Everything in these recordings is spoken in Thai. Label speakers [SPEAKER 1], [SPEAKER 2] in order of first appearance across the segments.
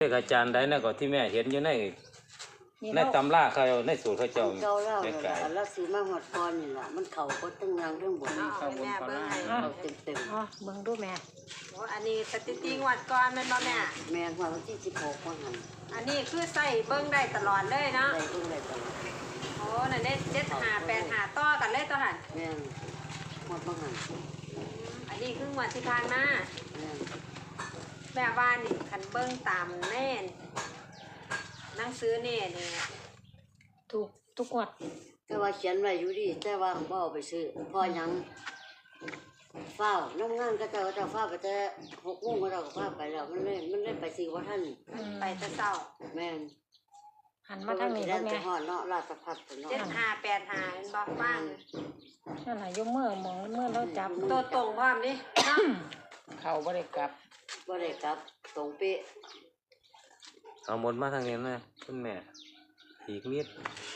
[SPEAKER 1] เลขอาจารย์ใดนะก็ที่แม่เห็นอยู่ในตำราเขาในสูตรเขาเจ้า
[SPEAKER 2] เจ้าเล่าเลยล่ะแล้วซื้อมาหอดก่อนนี่ล่ะมันเข่าก็ตั้งงานเรื่องบน
[SPEAKER 3] เอาแม่เบิ้งให้
[SPEAKER 2] เข่าเต็ม
[SPEAKER 4] อ๋อเบิ่งดูแม่
[SPEAKER 3] โอ้อันนี้สถิติงวดก่อนแม่นบ่แม่
[SPEAKER 2] ๆแม่หัววันที่16วันนั้น
[SPEAKER 3] อันนี้คือใส่เบิ้งได้ตลอดเลยเนาะ
[SPEAKER 2] ได้เพิ่งได้ตลอด
[SPEAKER 3] โอ้นั่นได้7 5 8 5ต่อกันเลยตัวหัน
[SPEAKER 2] แม่หมดบางหัน
[SPEAKER 3] อันนี้คืองวดที่ผ่านมา
[SPEAKER 2] แม่
[SPEAKER 3] แม่ว่านี่คันเบิ้งตามแน่นหนังสือนี่
[SPEAKER 4] ถูกทุกงวด
[SPEAKER 2] แต่ว่าเขียนไว้อยู่ดิแต่ว่าบ่เอาไปซื้อพอยังเฝ้าน้ำงานก็เจ้าเฝ้าไปแต่6 โมงก็เจ้าก็เฝ้าไปแล้วมันเลยไปซื้อว่าท่าน
[SPEAKER 3] ไปแต่เช้า
[SPEAKER 2] แม่น
[SPEAKER 4] หันมาทางนี้
[SPEAKER 2] แล้
[SPEAKER 4] แล้ว ว
[SPEAKER 2] จะ
[SPEAKER 4] แม่
[SPEAKER 2] หอดเนาะราชพัฒน์เนาะ
[SPEAKER 3] 7 5 8 5เป็นบ่ว่าง
[SPEAKER 4] นั่นน่ะยกมือมองมือแล้วจับ
[SPEAKER 3] ตัวตรงพร้อมดิเนาะ
[SPEAKER 5] เขาบ่ได้กลับ
[SPEAKER 2] บ่ได้กลับตรงเป๊ะ
[SPEAKER 1] เอาหมดมาทางนี้นะคุณแม่อีกนิด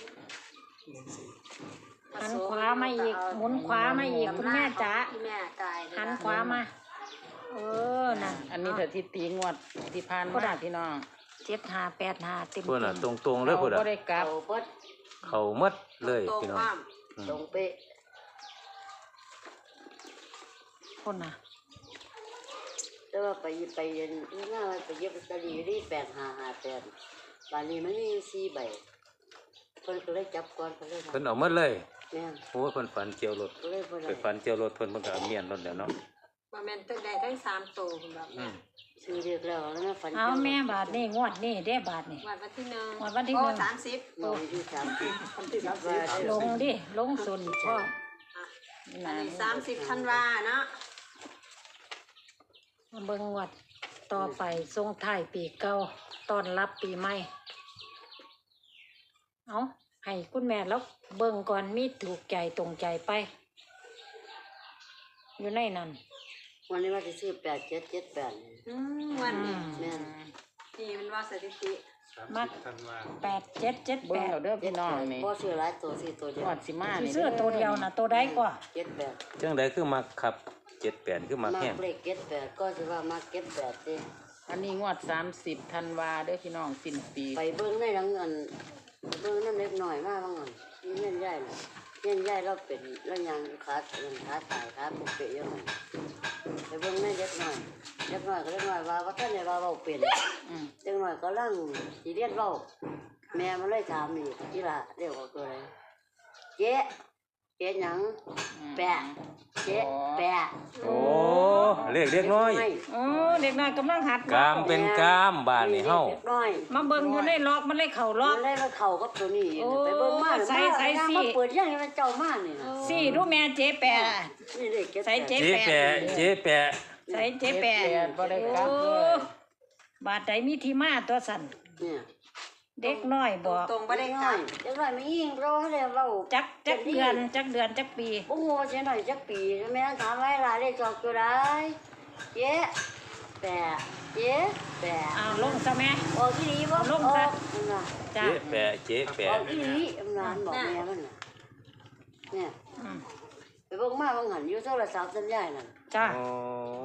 [SPEAKER 4] หันขวามาอีกหมุนขวามาอีกคุณแม่จ๋า
[SPEAKER 3] ที่แม่กาย
[SPEAKER 4] หันขวามานั่น
[SPEAKER 5] อันนี้สถิติงวดที่ผ่านมาพี่น้อง
[SPEAKER 4] 7585เต็ม
[SPEAKER 1] เพื่อนอ่ะตรงๆเลยเพื่อน
[SPEAKER 5] เขา
[SPEAKER 1] อ่ะ
[SPEAKER 5] บ่ได้กลับ
[SPEAKER 2] เอาเบิด
[SPEAKER 1] เขาหมดเลย
[SPEAKER 3] ตรง
[SPEAKER 1] พี่น้อ
[SPEAKER 3] พ
[SPEAKER 1] ง
[SPEAKER 3] ร้อม
[SPEAKER 2] ตรงเป๊ะ
[SPEAKER 4] คนน่ะ
[SPEAKER 2] แต่ว่าไปเย็นหน้าไปเย็บลอตเตอรี่ที่8558บ้านนี้มันมีอยู่4 ใบเพิ่นก็เลยจับก่อนเพิ่นเลย
[SPEAKER 1] เพิ่นเอาหมดเลย
[SPEAKER 2] แม่น
[SPEAKER 1] โอ้ยเพิ่นฝันเจียวรถ
[SPEAKER 2] ก็เลยบ่ได้
[SPEAKER 1] ไปฝันเจียวรถเพิ่นก็เอาเมียนรถแล้วเนาะ
[SPEAKER 3] บ่แม่นตึกได้ทั้ง3ตัวคุณแบบ
[SPEAKER 1] อืม
[SPEAKER 2] ซื้อเรียกแล้วแล้วนะฝัน
[SPEAKER 4] เอาแม่บาทนี่งวดนี่เด้บาทนี่
[SPEAKER 3] วันที่1
[SPEAKER 4] วันที่
[SPEAKER 3] โอ้
[SPEAKER 4] หนึ่ง
[SPEAKER 3] 30
[SPEAKER 2] นอนอยู่30วันที่30
[SPEAKER 4] ลงดิลงส่วนพ่อ
[SPEAKER 3] อันนี้30ธันวาเนาะ
[SPEAKER 4] มาเบิ่งงวดต่อไปส่งท้ายปีเก่าต้อนรับปีใหม่เอาให้คุณแม่แล้วเบิ่งก่อนมีถูกใจตรงใจไป อยู่ในนั้น
[SPEAKER 2] วันนี้ว่าจะซื้อ8778
[SPEAKER 3] วันนี้
[SPEAKER 2] แม่น
[SPEAKER 3] นี่มันว่าสถิติ
[SPEAKER 4] มัก8778
[SPEAKER 5] เบิ่งเอาเด้อพี่น้องนี่
[SPEAKER 2] บ่ซื้อหลายตัวซื้อตัวเดียว
[SPEAKER 5] งวดสิมานี่
[SPEAKER 4] เสื้อตัวเดียวนะตัวใดกว่า
[SPEAKER 2] 78
[SPEAKER 1] จังไดคือมักขับ78คือมัก
[SPEAKER 2] มา
[SPEAKER 1] แห้ง
[SPEAKER 2] เลข78ก็สิว่ามา78สิ
[SPEAKER 5] อันนี้งวด30ธันวาเด้อพี่น้องสิ้นปี
[SPEAKER 2] ไปเบิ่งในหลังเงินเบิ่งนำเล็กน้อยมาบางเงินนี่เงินใหญ่น่ะเงินใหญ่เราเป็นแล้วยังขาตายขาปุกเปะอยู่นั่นไปเบิ่งในเล็กน้อยก็เล็กน้อยว่าท่านได้ว่าเว้าเป็น
[SPEAKER 5] อืม
[SPEAKER 2] เด็กน้อยก็ลังสิเรียนเว้าแม่มันเลยถามอีกอีหล่ะเรียกว่าตัวอะไรเจ๊หยังแปะเจ๊แปะ
[SPEAKER 1] โอ้เลขเล็กน้อย
[SPEAKER 4] โอ้เด็กน้อยกำลังหัด
[SPEAKER 1] กามเป็นกามบ้านนี่เฮา
[SPEAKER 2] เด็กน้อย
[SPEAKER 4] มาเบิ่งอยู่ในล็อกมันเลยเข่าล็อ
[SPEAKER 2] มั
[SPEAKER 4] ก
[SPEAKER 2] นเลยมาเข้ากับตัวนี้
[SPEAKER 4] โอ้
[SPEAKER 2] ไปเบิ่งมา
[SPEAKER 4] ใส่สิ
[SPEAKER 2] มาเปิดยังให้มันเจ้ามานี่นะ
[SPEAKER 4] สี่ดูแม่เจ๊แปะ
[SPEAKER 2] นี่เด็กเก็บ
[SPEAKER 4] ใส่เจ๊
[SPEAKER 1] เจ๊แปะเจ๊แปะ
[SPEAKER 4] ใส่เจ๊แปะ
[SPEAKER 5] บ่ได้กลับ
[SPEAKER 4] โอ้
[SPEAKER 5] เลย
[SPEAKER 4] บาดใดมีที่มาตัวสั่น
[SPEAKER 2] เนี่ย
[SPEAKER 4] เด็กน้อยบอก
[SPEAKER 3] ตรงบ่
[SPEAKER 2] เด็
[SPEAKER 3] ได้
[SPEAKER 2] ก
[SPEAKER 3] ก
[SPEAKER 2] น้
[SPEAKER 3] ลั
[SPEAKER 2] อบ ยเด็กน้อยไม่ยิงรอให้เลยเว้า
[SPEAKER 4] จักเดือนจักปี
[SPEAKER 2] บ่ฮู้ว่าสิหน่อยจักปีแม่ถามไว้ล่ะเลขจอกตัวใดเจ๊แปะเจ๊แปะ
[SPEAKER 4] อ้าวลงซะแม่
[SPEAKER 2] ออกอีหลีบ่
[SPEAKER 4] ลงซะ
[SPEAKER 2] นั่นน่ะ
[SPEAKER 4] จ้า
[SPEAKER 1] เจ๊แปะเจ๊
[SPEAKER 2] อ
[SPEAKER 1] แปะ
[SPEAKER 2] อกอีหลีอำนานบอกแม่มันน่ะเนี่ย
[SPEAKER 4] อืม
[SPEAKER 2] ไปเบิ่งมาบางหันอยู่โทรศัพท์สัญญาณนั่น
[SPEAKER 4] จ้า
[SPEAKER 1] อ๋อ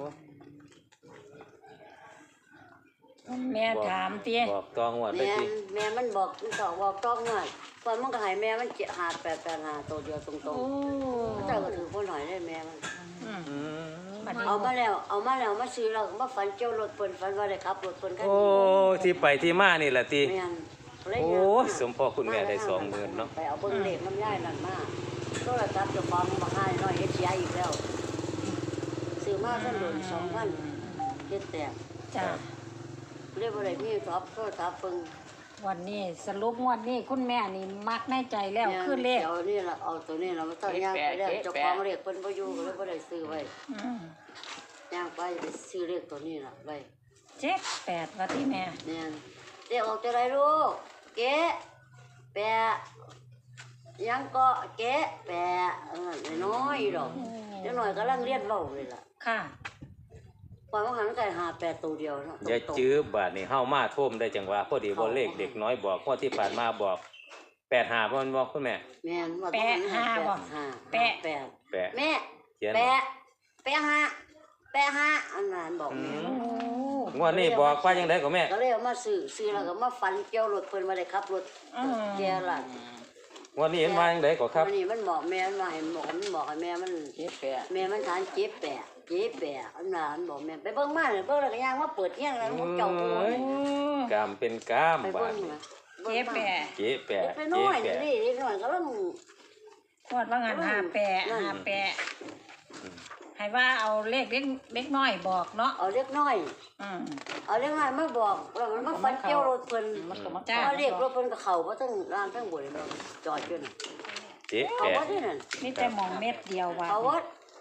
[SPEAKER 4] แม่ถามเตี้ย
[SPEAKER 1] บอกตองว่าได้
[SPEAKER 2] แม่
[SPEAKER 1] สิ
[SPEAKER 2] แม่มันบอกมันตอบบอกต้องหน่อยตอนมันก็ให้แม่มัน75885ตัวเดียวตรง
[SPEAKER 4] โอ้
[SPEAKER 2] ๆเจ้าก็ถือคนหน่อยได้แม่มัน
[SPEAKER 4] อืม
[SPEAKER 1] อืม
[SPEAKER 4] บัดนี้
[SPEAKER 2] เอามาแล้วมาซื้อแล้วมาฝันเกี่ยวรถเพิ่นฝันว่าได้ขับรถเพิ่นคัน
[SPEAKER 1] โอ้
[SPEAKER 2] นี้
[SPEAKER 1] ที่ไปที่มานี่แหละติ
[SPEAKER 2] แม่นเลย
[SPEAKER 1] โอ้
[SPEAKER 2] เนี่ย
[SPEAKER 1] สมพ่อคุณแม่ได้20,000เนาะ
[SPEAKER 2] ไปเอาเบิ่งเลขน้ำย่ายนั่นมาโทรศัพท์เจ้าของมาให้น้อยเฮ็ดเสียอีกแล้วซื้อมาซั่นโดน2,000เฮ็ดแตก
[SPEAKER 4] จ้า
[SPEAKER 2] เรียกว่าอะไรมีท็อปโทรศัพท์เพิ่ง
[SPEAKER 4] วันนี้สรุปงวดนี้คุณแม่นี่มักในใจแล้วคือเลข
[SPEAKER 2] เอานี่ล่ะเอาตัวนี้ล่ะมาตั้งย่างไปแล้วเจ้าของเรียกเพิ่นบ่อยู่ก็เลยบ่ได้ซื้อไว้
[SPEAKER 4] อืม
[SPEAKER 2] ย่างไปซื้อเลขตัวนี้ล่ะไว้
[SPEAKER 4] 78ว่าที่แม่
[SPEAKER 2] เนี่ยเรียกออกจะไรลูกเก๊แปะยังเกาะเก๊แปะน้อยดอกเดี๋ยวหน่อยกำลังเรียนเว้าเลยล่ะ
[SPEAKER 4] ค่ะ
[SPEAKER 2] ปล่อยมันหันไก่58ตัวเดียวเนาะ
[SPEAKER 1] อย่าจื้อบาดนี่เฮามาท่มได้จังหวะพอดีบ่เลขเด็กน้อยบอกงวดที่ผ่านมาบอก85บ่มันบอกคุณแม่
[SPEAKER 2] แม่นว่า
[SPEAKER 4] แปะห้าบ่
[SPEAKER 2] แปะ
[SPEAKER 4] แปะ
[SPEAKER 2] แปะ
[SPEAKER 1] แปะ
[SPEAKER 2] แม่
[SPEAKER 1] เขียน
[SPEAKER 2] แปะห้าอันนั้นบอกแม่
[SPEAKER 4] โอ้
[SPEAKER 1] งวดนี้บอกว่าจังไดก็แม่
[SPEAKER 2] ก็เลยเอามาซื้อแล้วก็มาฝันเกี่ยวรถเพิ่นมาได้ขับรถแกล่ะ
[SPEAKER 1] งวดนี้เห็นว่าจังไดก็ครับ
[SPEAKER 2] วันนี้มันบอกแม่มันมาให้บอกให้แม่มัน
[SPEAKER 5] เจ็ดแปด
[SPEAKER 2] แม่มันทานเจ็บแปะอันนั้นบอกแม่ไปเบิ่งมาเนี่ยเบิ่งแล้วก็ย่างมาเปิดเที่ยงแล้วมันเจ้าโอ้ย
[SPEAKER 1] กามเป็นกาม
[SPEAKER 2] ไป
[SPEAKER 1] บา
[SPEAKER 2] เบิ่
[SPEAKER 1] ด
[SPEAKER 2] ง
[SPEAKER 1] นี้
[SPEAKER 2] มา
[SPEAKER 3] เจ๊แปะ
[SPEAKER 1] เจ๊แปะ
[SPEAKER 2] ไป
[SPEAKER 1] เจ๊
[SPEAKER 2] น้อย
[SPEAKER 1] แปะ
[SPEAKER 2] นี่เล็กน้อยก็ต้อง
[SPEAKER 4] ขวดว่างานหาแปะหาแปะให้ว่าเอาเลขเล็กน้อยบอกเนาะ
[SPEAKER 2] เอาเล็กน้อย
[SPEAKER 4] อืม
[SPEAKER 2] เอาเล็กน้อยมาบอกแล้วมันมาฟันเกี่ยวรถเพิ่น
[SPEAKER 5] มันก็มา
[SPEAKER 4] จ้ะ
[SPEAKER 2] เอาเรียกรถเพิ่นก็เข้าบ่ทั้งล่างทั้งบนเลยจอดอยู่น่ะ
[SPEAKER 1] เจ๊
[SPEAKER 2] เขา
[SPEAKER 1] แปะ
[SPEAKER 2] บ่ที่นั่น
[SPEAKER 4] นี่แต่หมองเม็ดเดียวว่า
[SPEAKER 2] เขาบ่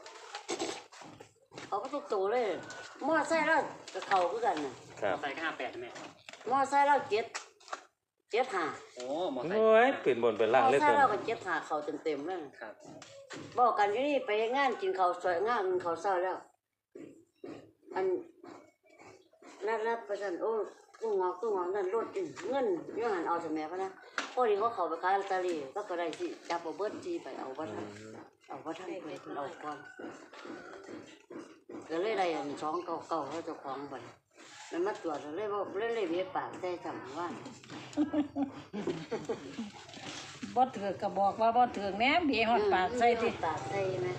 [SPEAKER 2] เขาก็ทุกตัวเลยมอไซค์เราก็เข้าคือกันน่ะ
[SPEAKER 1] ครับ
[SPEAKER 6] ใส่ก็58แม่
[SPEAKER 2] มอไซค์เรา7 5
[SPEAKER 6] โอ้หมอใส่
[SPEAKER 1] โอ้ยเป็นบนเป็น
[SPEAKER 2] ม
[SPEAKER 1] ล่าง
[SPEAKER 2] อ
[SPEAKER 1] เลย
[SPEAKER 2] ไซ
[SPEAKER 1] เพิ่
[SPEAKER 2] ค์
[SPEAKER 1] น
[SPEAKER 2] เราก็7 5เข้าเต็มๆเลย
[SPEAKER 6] ครับ
[SPEAKER 2] บอกกันอยู่นี่ไปงานกินข้าวสวยงานข้าวเช้าแล้ว อันนัดประชันโอ้ตู้งอกนั่นรถเงินอยู่หันเอาสมัยพะนะพอดีเขาเข้าไปขายลอตเตอรี่ก็ได้สิจับเอาเบิดจีไปเอาบ่ทันเพิ่นเอาก่อนก็เลยได้อัน299เขาเจ้าของบัดมันมาตรวจเลยบ่เลยเบียปากได้จำว่า
[SPEAKER 4] บ่ถือก็บอกว่าบ่ถือแหน่เบียฮอดปากใส่ติ
[SPEAKER 2] ปากใส่ไหม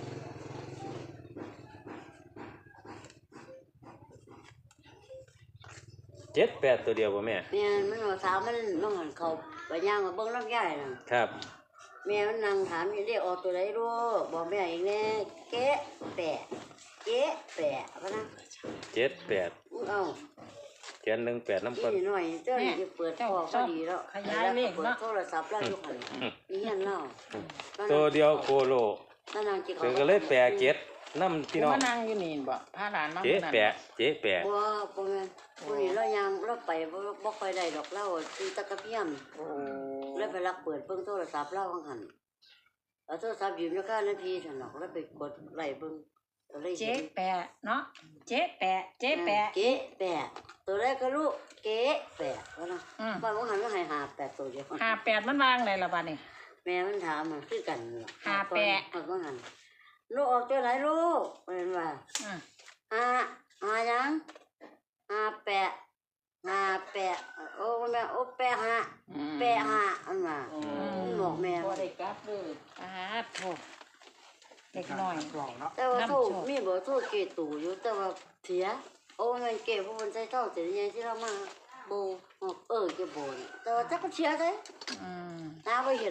[SPEAKER 1] เจ็ดแปดตัวเดียวบ่แม่
[SPEAKER 2] แม่มันว่าถามมันหันเขาไปย่างมาเบิ่งลำไยน่ะ
[SPEAKER 1] ครับ
[SPEAKER 2] แม่มันนั่งถามอยู่เรียกออกตัวไหนรู้บอกแม่อีกแน่เก๊ะแปะพะนะ
[SPEAKER 1] เจ็ดแปด
[SPEAKER 2] เอา
[SPEAKER 1] เขียน18น้ำ
[SPEAKER 2] อี
[SPEAKER 1] ก่อน
[SPEAKER 2] นี่หน่อยเจ้านี่จะเปิดพอพอดีแล้ว
[SPEAKER 4] ขยายเลข
[SPEAKER 2] เปิด
[SPEAKER 4] เนาะ
[SPEAKER 2] โทรศัพท์แล้วอยู่หันนี่ยันเล่า
[SPEAKER 1] ตัวเดียวโคโล
[SPEAKER 2] นั่นนางจิ
[SPEAKER 1] คือก็เลยแปะเจ็ดน้ำพี่น้อง
[SPEAKER 5] มานั่งอยู่นี่บ่พาหลานมา
[SPEAKER 1] เจ๊แปะเจ๊แปะ
[SPEAKER 2] บ่แม่นผู้นี้เรายังเราไปบ่ค่อยได้ดอกเล่าตีตะกะเพียม
[SPEAKER 5] โอ้
[SPEAKER 2] แล้วไปรักเปิดเบิ่งโทรศัพท์เล่าว่าหั่นเอาโทรศัพท์ยืมอยู่ค่านาทีซั่นดอกแล้วไปกดไล่เบิ่งก็เลย
[SPEAKER 4] เจ๊
[SPEAKER 2] เห็น
[SPEAKER 4] แปะเนาะเจ๊แปะเจ๊แปะ
[SPEAKER 2] เก๊แปะตัวแรกก็รู้เก๊แปะว่านะ
[SPEAKER 4] อืม
[SPEAKER 2] บ้านว่าหันว่าให้หาแปะตัวเดียว
[SPEAKER 4] หาแปดมันวางไหนล่ะบัดนี้
[SPEAKER 2] แม่มันถามมันคือกันล่ะ
[SPEAKER 4] หาแปะ
[SPEAKER 2] บ้านว่าหันลูกออกตัวไหนลูกเป็นว่า
[SPEAKER 4] อืม
[SPEAKER 2] หายังหาแปะโอ้แม่โอ้แปะหาอันว่ามันบอกแม่
[SPEAKER 5] บ่ได้กลับเลย
[SPEAKER 4] อ่าโทษเล็กน้อย
[SPEAKER 6] กล่องเนาะ
[SPEAKER 2] แต่ว่าโทร
[SPEAKER 4] น้ำโชค
[SPEAKER 2] มีเบอร์โทรเกตู่อยู่แต่ว่าเสียโอ้แม่นเกผู้คนใช้เท่าแต่ยังที่เรามาโบเกโบนแต่ว่าจักก็เสียได้
[SPEAKER 4] อืม
[SPEAKER 2] น้าไปเห็น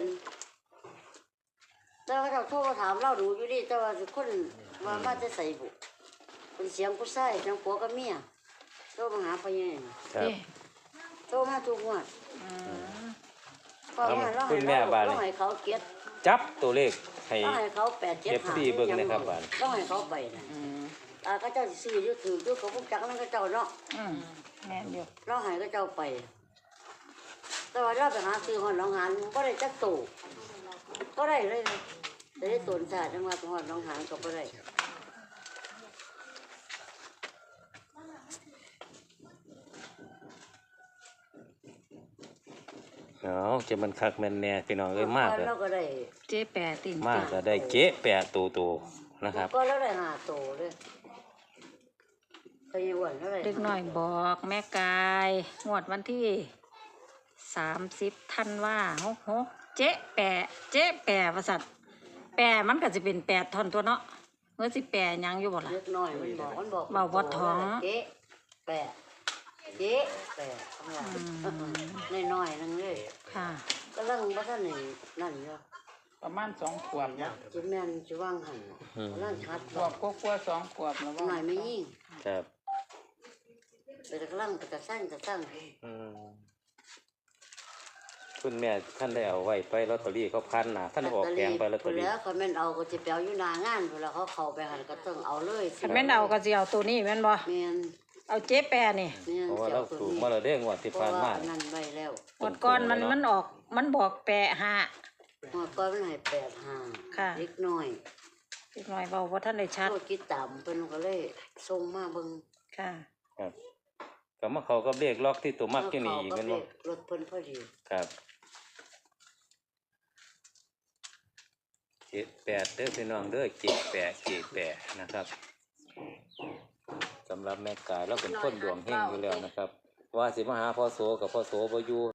[SPEAKER 2] แต่ว่าเราโทรมาถามเราดูอยู่ดิแต่ว่าสิคนว่ามาจะใส่บุเป็นเสียงผู้ชายเสียงผัวกับเมียโทรมาหาพ่อใหญ่
[SPEAKER 1] ครับ
[SPEAKER 4] เด้
[SPEAKER 2] โทรมาทุกงวด
[SPEAKER 4] อืม
[SPEAKER 2] พอมาเรา
[SPEAKER 1] คุณแม่บ้านนี่
[SPEAKER 2] เราให้เขาเก็บ
[SPEAKER 1] จับตัวเลขให้
[SPEAKER 2] เราให้เขา8-7
[SPEAKER 1] FC เบิ่งนะครับบ้าน
[SPEAKER 2] เราให้เขาไปนะ
[SPEAKER 5] อืม
[SPEAKER 2] ก็เจ้าสิซื้ออยู่ถืออยู่เขาพวกจักนั่นก็เจ้าเนาะ
[SPEAKER 4] อืมแม่นอยู่
[SPEAKER 2] เราให้ก็เจ้าไป แต่ว่าเราไปหาซื้อหอนน้องหานก็ได้จักตู่ก็ได้เลยแต่ได้ตนชาติจังหวัดหอนน้องหานก็บ่ได้
[SPEAKER 1] เอาจะมันคักแม่นแน่พี่น้องเอ้ยมากเลย
[SPEAKER 2] เราก็ได้
[SPEAKER 4] เจ๊แปะติ่ง
[SPEAKER 1] มากก็ได้เจ๊แปะตัวนะครับ
[SPEAKER 2] ก็เราได้5โตเลยเคยอ้วนเท่าไหร่
[SPEAKER 4] เล็กน้อยบอกแม่กายงวดวันที่30ธันวา66เจ๊แปะเจ๊แปะว่าซั่นแปะมันก็สิเป็น8ท่อนตัวเนาะเมื่อสิแปะหยังอยู่บ่ล่ะ
[SPEAKER 2] เล็กน้อยมันบอก
[SPEAKER 4] เว้าบ่ท้อง
[SPEAKER 2] เจ๊แปะน้อยๆนึงเลย
[SPEAKER 4] ค่ะ
[SPEAKER 2] ก็ลังบ่ทันนี่นั่นอยู่
[SPEAKER 5] ประมาณ2ขวบเนาะ
[SPEAKER 2] จิแม่นสิวางหั่นนั่นชัด
[SPEAKER 5] ขวบกว่าๆ2ขวบแล้วว่า
[SPEAKER 2] หน่อยไม่ยิ่ง
[SPEAKER 1] ครับ
[SPEAKER 2] แต่กำลังจะสร้าง
[SPEAKER 1] อืมคุณแม่ท่านได้เอาไว้ไปลอตเตอรี่เขาพันนะท่านออกแผงไปลอตเตอรี่
[SPEAKER 2] แล้วเขาแม่นเอาก็จะไปเอาอยู่หน้างานเวลาเขาเข้าไปหันก็ต้องเอาเลย
[SPEAKER 4] คันแม่นเอาก็สิเอาตัวนี้แม่นบ่
[SPEAKER 2] แม่น
[SPEAKER 4] เอาเจ๊แปะนี่
[SPEAKER 1] เพราะว่าเราถูกมาแล้วเด้งวดที่ผ่านมา
[SPEAKER 2] นั่นไว้แล้ว
[SPEAKER 4] งวดก่อนมันออกมันบอกแปะหา
[SPEAKER 2] หัวก้อนมันให้85
[SPEAKER 4] ค่ะ
[SPEAKER 2] เล็กน้อย
[SPEAKER 4] เล็กน้อยเว้าบ่ทันได้ชัด
[SPEAKER 2] โทษคิดตามเพิ่นก็เลยส่งมาเบิ่ง
[SPEAKER 4] ค่ะ
[SPEAKER 1] ครับก็มาเขาก็เรียกล็อกที่ตัวมักที่นี่อีกแม่นบ่
[SPEAKER 2] รถเพิ่นพอดี
[SPEAKER 1] ครับเจ็ดแปดเด้อพี่น้องเด้อเจ็ดแปดนะครับสำหรับแม่กายเราเป็นคนดวงเฮงอยู่แล้วนะครับ ว่าสิมาหาพ่อโสกับพ่อโสบ่อยู่